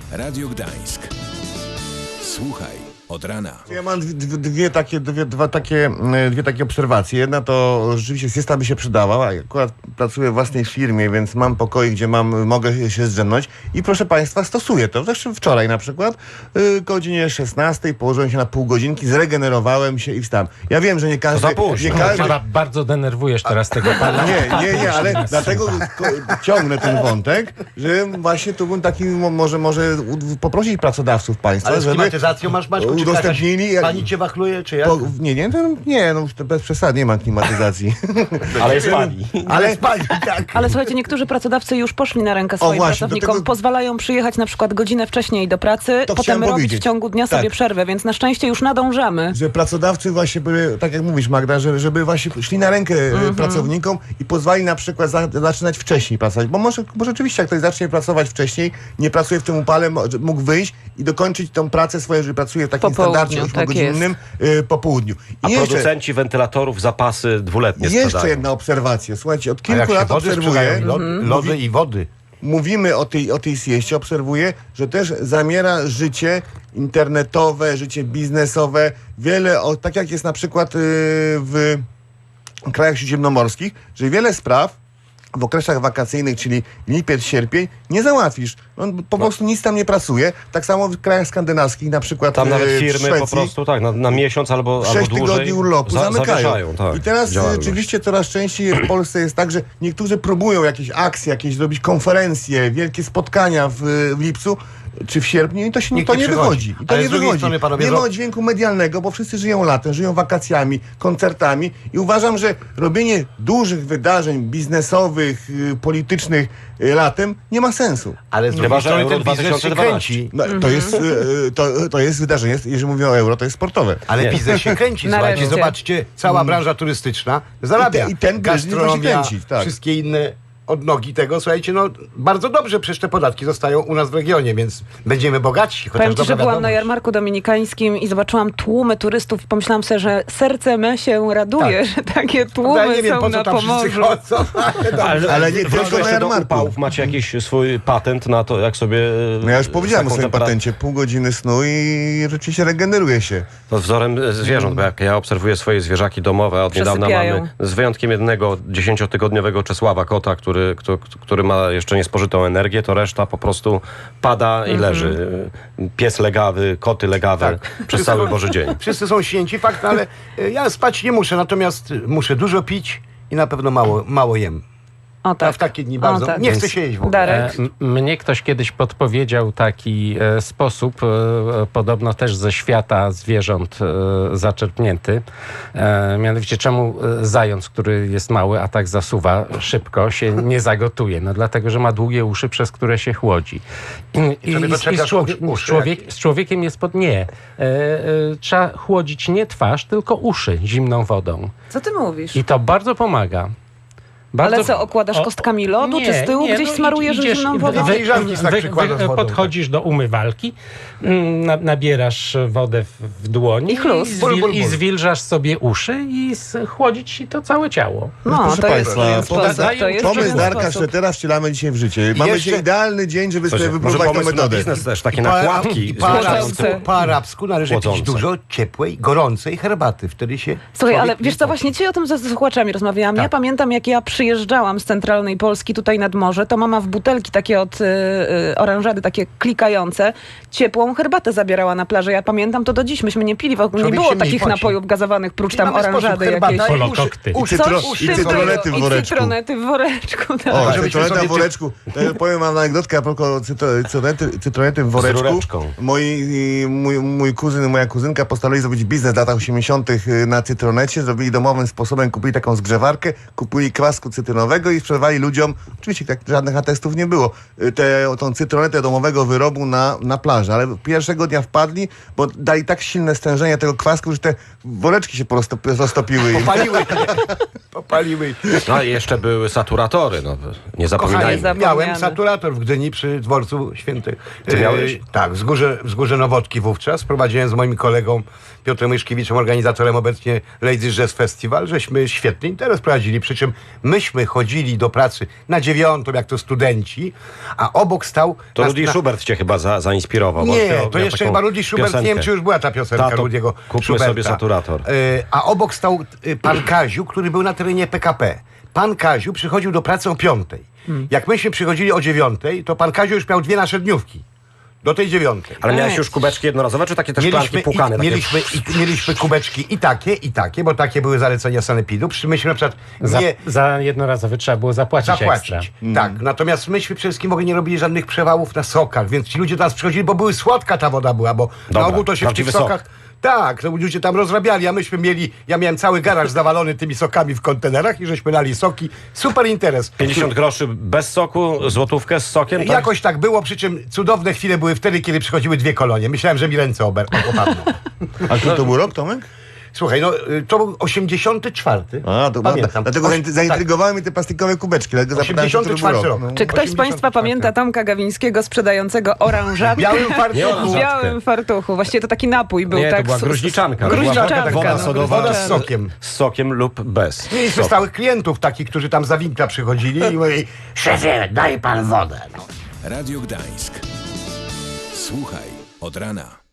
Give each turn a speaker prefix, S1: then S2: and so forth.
S1: Radio Gdańsk. Słuchaj od rana.
S2: Ja mam dwie takie obserwacje. Jedna to rzeczywiście siesta by się przydała. Akurat pracuję w własnej firmie, więc mam pokoje, gdzie mogę się zdrzemnąć. I proszę Państwa, stosuję to. Zresztą wczoraj na przykład godzinie 16 położyłem się na pół godzinki, zregenerowałem się i wstałem. Ja wiem, że nie każdy...
S3: Bardzo denerwujesz teraz tego pana.
S2: Nie, ale dlatego ciągnę ten wątek, że właśnie tu bym taki może poprosić pracodawców Państwa,
S4: Ale z
S2: żeby
S4: klimatyzacją masz, Maćku, czy
S2: udostępnili...
S4: pani cię wachluje, czy jak?
S2: Nie, no już to bez przesady, nie ma klimatyzacji.
S4: Ale jest pani. Ale jest pani, tak.
S5: Ale słuchajcie, niektórzy pracodawcy już poszli na rękę swoim
S2: właśnie,
S5: pracownikom, pozwalają przyjechać na przykład godzinę wcześniej do pracy,
S2: To
S5: potem
S2: chciałem
S5: robić
S2: powiedzieć.
S5: w ciągu dnia sobie
S2: Tak.
S5: przerwę, więc na szczęście już nadążamy.
S2: Że pracodawcy właśnie były, tak jak mówisz Magda, żeby właśnie szli na rękę pracownikom i pozwali na przykład zaczynać wcześniej pracować. Bo może rzeczywiście jak ktoś zacznie pracować wcześniej, nie pracuje w tym upale, mógł wyjść i dokończyć tą pracę swoją, że pracuje w takim
S5: Po południu,
S2: standardzie
S5: tak
S2: 8-godzinnym po południu.
S6: A producenci wentylatorów zapasy dwuletnie
S2: Jeszcze
S6: sprzedają.
S2: jedna obserwacja. Słuchajcie, od
S4: A jak
S2: kilku
S4: się
S2: lat
S4: wody
S2: obserwuję...
S4: sprzedają, lody i wody.
S2: Mówimy o tej sieście, obserwuję, że też zamiera życie internetowe, życie biznesowe. Tak jak jest na przykład w krajach śródziemnomorskich, że wiele spraw w okresach wakacyjnych, czyli lipiec, sierpień, nie załatwisz. On po prostu nic tam nie pracuje. Tak samo w krajach skandynawskich, na przykład
S6: Tam nawet
S2: w
S6: firmy
S2: Szwecji,
S6: po prostu na miesiąc albo
S2: 6
S6: dłużej
S2: tygodni urlopu zamykają.
S6: zawieszają, tak,
S2: I teraz
S6: działalność.
S2: rzeczywiście coraz częściej w Polsce jest tak, że niektórzy próbują jakieś akcje, jakieś zrobić konferencje, wielkie spotkania w lipcu czy w sierpniu i to
S4: Nikt
S2: nie
S4: nie
S2: wychodzi.
S4: przychodzi.
S2: I to
S4: Ale
S2: nie
S4: z drugiej
S2: wychodzi.
S4: strony, panowie,
S2: Nie ma dźwięku medialnego, bo wszyscy żyją latem, żyją wakacjami, koncertami i uważam, że robienie dużych wydarzeń biznesowych, politycznych latem nie ma sensu.
S4: Ale z
S6: Chyba,
S4: drugiej
S6: że
S4: strony
S6: Euro
S4: ten biznes się
S6: 2012.
S4: kręci.
S2: No, to jest wydarzenie, jeżeli mówię o euro, to jest sportowe.
S4: Ale biznes się kręci, słuchajcie,
S5: Nareszcie.
S4: zobaczcie, cała branża turystyczna zarabia.
S2: I ten biznes musi
S4: gastronomia,
S2: kręcić, tak.
S4: wszystkie inne odnogi tego, słuchajcie, no bardzo dobrze, przecież te podatki zostają u nas w regionie, więc będziemy bogaci, chociaż
S5: Powiem ci,
S4: dobra
S5: że byłam na
S4: wiadomość.
S5: jarmarku dominikańskim i zobaczyłam tłumy turystów i pomyślałam sobie, że serce me się raduje, że takie
S4: Ja
S5: tłumy
S4: nie wiem,
S5: są
S4: po co
S5: na
S4: tam wszyscy
S5: Pomorzu.
S4: chodzą, ale dobrze.
S2: Ale nie
S6: Wróćmy
S2: tylko na
S6: jeszcze do
S2: jarmarku.
S6: upałów. Macie jakiś swój patent na to, jak sobie...
S2: No ja już powiedziałem o
S6: z taką
S2: swoim
S6: temperaturą-
S2: patencie, pół godziny snu i rzeczywiście regeneruje się.
S6: To wzorem zwierząt, bo jak ja obserwuję swoje zwierzaki domowe, od niedawna
S5: Przesypiają.
S6: mamy, z wyjątkiem jednego 10-tygodniowego Czesława kota, który ma jeszcze niespożytą energię, to reszta po prostu pada i leży. Pies legawy, koty legawe przez cały Boży dzień.
S4: Wszyscy są święci, fakt, ale ja spać nie muszę, natomiast muszę dużo pić i na pewno mało jem.
S5: O
S4: A
S5: tak.
S4: w takie dni bardzo.
S5: tak.
S4: Nie chcę się jeść w ogóle.
S5: Darek.
S3: Mnie ktoś kiedyś podpowiedział taki sposób, podobno też ze świata zwierząt zaczerpnięty. Mianowicie czemu zając, który jest mały, a tak zasuwa szybko, się nie zagotuje? No dlatego, że ma długie uszy, przez które się chłodzi.
S4: sobie doczepiasz uszy,
S3: z człowiekiem jest nie. Trzeba chłodzić nie twarz, tylko uszy zimną wodą.
S5: Co ty mówisz?
S3: I to bardzo pomaga.
S5: Ale co, okładasz kostkami lodu, czy z tyłu gdzieś smarujesz zimną wodą?
S4: Filiżanki tak przykładasz wodą,
S3: podchodzisz do umywalki, nabierasz wodę w dłoń
S5: I chlus.
S3: i zwilżasz sobie uszy i chłodzić ci to całe ciało.
S5: No,
S2: Proszę
S5: to jest
S2: Państwa,
S5: pewien sposób. To jest
S2: pomysł
S5: pewien
S2: Darka
S5: sposób.
S2: Sztetera wcielamy dzisiaj w życie. Mamy
S4: Jeszcze-
S2: dzisiaj idealny dzień, żeby sobie
S6: Może
S2: wypróbować tę
S6: pomysł na
S2: metodę.
S6: biznes też, takie nakładki.
S4: Po arabsku należy pić
S6: Chłodzące.
S4: dużo ciepłej, gorącej herbaty. Wtedy się
S5: Słuchaj, ale
S4: człowiek
S5: wiesz
S4: nie
S5: co, właśnie dzisiaj o tym ze słuchaczami rozmawiałam. Ja pamiętam, jak ja przyjeżdżałam z centralnej Polski tutaj nad morze, to mama w butelki takie od oranżady, takie klikające, ciepłą herbatę zabierała na plażę. Ja pamiętam to do dziś. Myśmy nie pili, wokół nie
S4: Człowiek
S5: było
S4: się mniej
S5: takich
S4: poci.
S5: napojów gazowanych, prócz
S4: I
S5: tam
S4: mamy sposób,
S5: oranżady
S4: herbata
S5: jakiejś.
S4: i
S3: Polokokty.
S4: uszy,
S2: I cytronety w woreczku.
S5: I cytronety w woreczku, tak.
S2: O,
S4: żebyśmy
S2: cytroneta
S4: sobie
S2: w woreczku. Powiem wam anegdotkę a propos cytronety w woreczku.
S6: rureczką.
S2: Mój kuzyn i moja kuzynka postanowili zrobić biznes w latach 80. na cytronecie. Zrobili domowym sposobem, kupili taką zgrzewarkę, kupili kwasku cytrynowego i sprzedawali ludziom, oczywiście tak, żadnych atestów nie było, tą cytronetę domowego wyrobu na plaży. Ale pierwszego dnia wpadli, bo dali tak silne stężenie tego kwasku, że te woreczki się roztopiły.
S4: popaliły.
S6: No i jeszcze były saturatory, no nie zapominajmy.
S5: Kochani,
S4: Miałem saturator w Gdyni przy dworcu Świętych.
S6: Ty miałeś?
S4: Tak, wzgórze Nowotki wówczas. Prowadziłem z moim kolegą Piotrem Myszkiewiczem, organizatorem obecnie Ladies Jazz Festival, żeśmy świetny interes prowadzili, przy czym my myśmy chodzili do pracy na 9, jak to studenci, a obok stał...
S6: To Rudy Schubert cię chyba zainspirował. bo
S4: Nie,
S6: śpiewał-
S4: to
S6: miał
S4: jeszcze
S6: taką
S4: chyba Rudy Schubert, nie wiem,
S6: piosenkę.
S4: czy już była ta piosenka
S6: Tato,
S4: Rudiego
S6: kupmy
S4: Schuberta.
S6: sobie saturator.
S4: A obok stał pan Kaziu, który był na terenie PKP. Pan Kaziu przychodził do pracy o 5. Jak myśmy przychodzili o 9, to pan Kaziu już miał 2 nasze dniówki. Do tej 9.
S6: Ale miałeś już kubeczki jednorazowe, czy takie też szklanki płukane? Takie...
S4: Mieliśmy kubeczki i takie, bo takie były zalecenia sanepidu. Przy czym myśmy na przykład nie
S3: Za jednorazowy trzeba było zapłacić ekstra.
S4: zapłacić. Tak, natomiast myśmy przede wszystkim w ogóle nie robili żadnych przewałów na sokach, więc ci ludzie do nas przychodzili, bo były słodka ta woda była, bo
S6: Dobra,
S4: na ogół to się w tych
S6: prawdziwy sok.
S4: sokach... Tak, to ludzie tam rozrabiali, a myśmy mieli, ja miałem cały garaż zawalony tymi sokami w kontenerach i żeśmy lali soki. Super interes.
S6: 50 groszy bez soku, złotówkę z sokiem, tak?
S4: Jakoś tak było, przy czym cudowne chwile były wtedy, kiedy przychodziły 2 kolonie. Myślałem, że mi ręce opadną.
S2: A który to był rok, Tomek?
S4: Słuchaj, no to był 84.
S2: A, to
S4: Pamiętam.
S2: dlatego zaintrygowały mnie te plastikowe kubeczki. Dlatego zapytałem się, który był
S4: 84 rok.
S2: No.
S5: Czy ktoś z
S4: 84.
S5: Państwa pamięta Tomka Gawińskiego sprzedającego oranżatkę?
S4: W białym fartuchu.
S5: W białym fartuchu. Właściwie to taki napój był,
S3: Nie,
S5: tak?
S3: to była gruźliczanka.
S5: Gruźliczanka.
S6: Woda
S5: no,
S6: sodowa
S4: Woda z sokiem.
S6: z sokiem lub bez.
S4: Mieliśmy stałych klientów takich, którzy tam za winkla przychodzili i mówili: szefie, daj pan wodę. No.
S1: Radio Gdańsk. Słuchaj od rana.